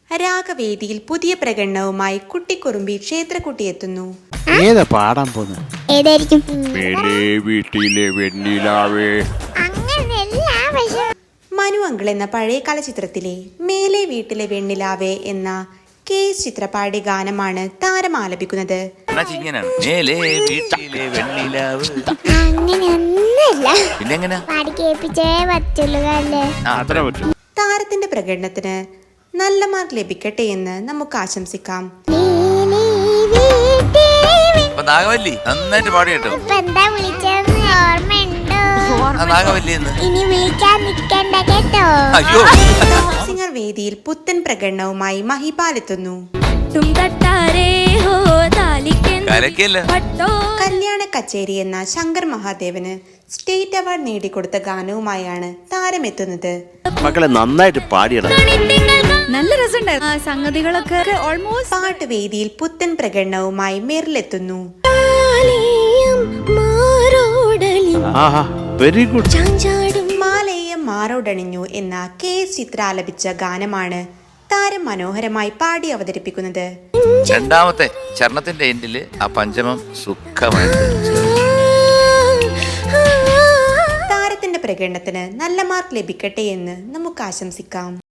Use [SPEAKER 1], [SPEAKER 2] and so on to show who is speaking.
[SPEAKER 1] രാഗവേദിയിൽ പുതിയ പ്രകടനവുമായി കുട്ടിക്കുറുമ്പി ക്ഷേത്രക്കുട്ടി എത്തുന്നു.
[SPEAKER 2] ഏതാ പാടാൻ പോകുന്നത്?
[SPEAKER 3] ഏതായിരിക്കും?
[SPEAKER 2] വീട്ടിലെ വെണ്ണിലാവേ.
[SPEAKER 1] മനു അങ്കിൾ എന്ന പഴയകാല ചിത്രത്തിലെ മേലെ വീട്ടിലെ വെണ്ണിലാവേ എന്ന കേസ് ചിത്രപാടി ഗാനമാണ് താരം ആലപിക്കുന്നത്. താരത്തിന്റെ പ്രകടനത്തിന് നല്ല മാർക്ക് ലഭിക്കട്ടെ എന്ന് നമുക്ക് ആശംസിക്കാം.
[SPEAKER 4] നാഗവല്ലി നന്നായിട്ട് പാടി കേട്ടോ.
[SPEAKER 1] സിംഗർ വേദിയിൽ പുത്തൻ പ്രകടനവുമായി മഹിപാൽ എത്തുന്നു. കല്യാണ കച്ചേരി എന്ന ശങ്കർ മഹാദേവന് സ്റ്റേറ്റ് അവാർഡ് നേടിക്കൊടുത്ത ഗാനവുമായാണ് താരം എത്തുന്നത്.
[SPEAKER 2] മക്കളെ നന്നായിട്ട് പാടിയണം.
[SPEAKER 5] നല്ല രസമുണ്ടായിരുന്നു സംഗതികളൊക്കെ. ഓൾമോസ്റ്റ്
[SPEAKER 1] പാട്ടുവേദിയിൽ പുത്തൻ പ്രകടനവുമായി മെറിലെത്തുന്നു.
[SPEAKER 2] Very good.
[SPEAKER 1] മാലയം മാറോടണിഞ്ഞു എന്ന കേസ് ചിത്ര ആലപിച്ച ഗാനമാണ് താരം മനോഹരമായി പാടി അവതരിപ്പിക്കുന്നത്.
[SPEAKER 4] രണ്ടാമത്തെ ചരണത്തിന്റെ എൻഡില് ആ പഞ്ചമം സുഖമായിട്ട്.
[SPEAKER 1] താരത്തിന്റെ പ്രകടനത്തിന് നല്ല മാർക്ക് ലഭിക്കട്ടെ എന്ന് നമുക്ക് ആശംസിക്കാം.